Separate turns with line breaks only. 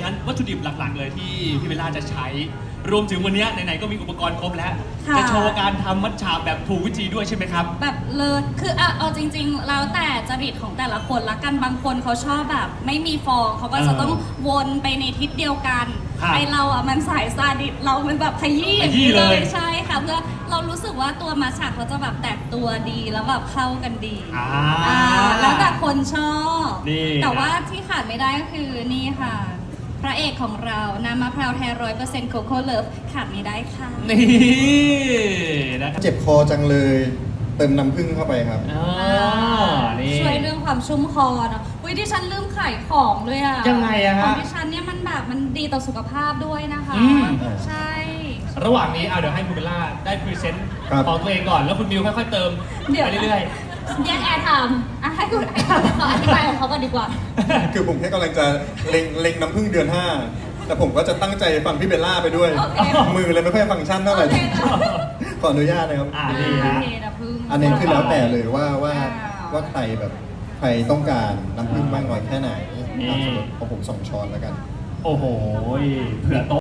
อย่างนั้นวัตถุดิบหลักๆเลยที่พี่เบลล่าจะใช้รวมถึงวันนี้ไหนๆก็มีอุปกรณ์ครบแล้วจะโชว์การทำมัทฉะแบบถูกวิธีด้วยใช่ไหมครับ
แบบเลยคือเอาจริงๆแล้วแต่จริตของแต่ละคนละกันบางคนเขาชอบแบบไม่มีฟองเขาก็จะต้องวนไปในทิศเดียวกันไอเราอ่ะมันสายซาดิสเรามันแบบขยี้เลยใช่ค่ะเพื่อเรารู้สึกว่าตัวมัทฉะเขาจะแบบแตกตัวดีแล้วแบบเข้ากันดีแล้วแต่คนชอบแต่ว่าที่ขาดไม่ได้ก็คือนี่ค่ะพระเอกของเราน้ำมะพร้าวแท้100%โคโค่เลิฟขาดไม่ได้ค่ะ
นี่นะครับ
เจ็บคอจังเลยเติมน้ำผึ้งเข้าไปครับ
ช่วยเรื่องความชุ่มคอเนาะดิฉันลืมขายของด้วยอะ
ยังไงอะ
ของ
ฮะ
ดิฉันเนี่ยมันแบบมันดีต่อสุขภาพด้วยนะคะใช่
ระหว่างนี้เดี๋ยวให้คุณเบลล่าได้พรีเซนต์ของตัวเองก่อนแล้วคุณมิวค่อยๆเติมไปเรื่อย
ๆแยกแอร์ทำให้คุณเขาอธิบายของเขาก่อนดีกว่า
คือผมแค่กำลังจะเล็งน้ำผึ้งเดือน 5แต่ผมก็จะตั้งใจฟังพี่เบลล่าไปด้วยมือเลยไม่ค่อยฟังก์ชันเท่าไหร่ขออนุญาตนะครับ
นี่ฮะ
อันนี้คือแล้วแต่เลยว่าใครแบบใครต้องการน้ำผึ้งมากน้อยแค่ไหนของผม2 ช้อนแล้วกัน
โอ้โหเผื่อโต๊ะ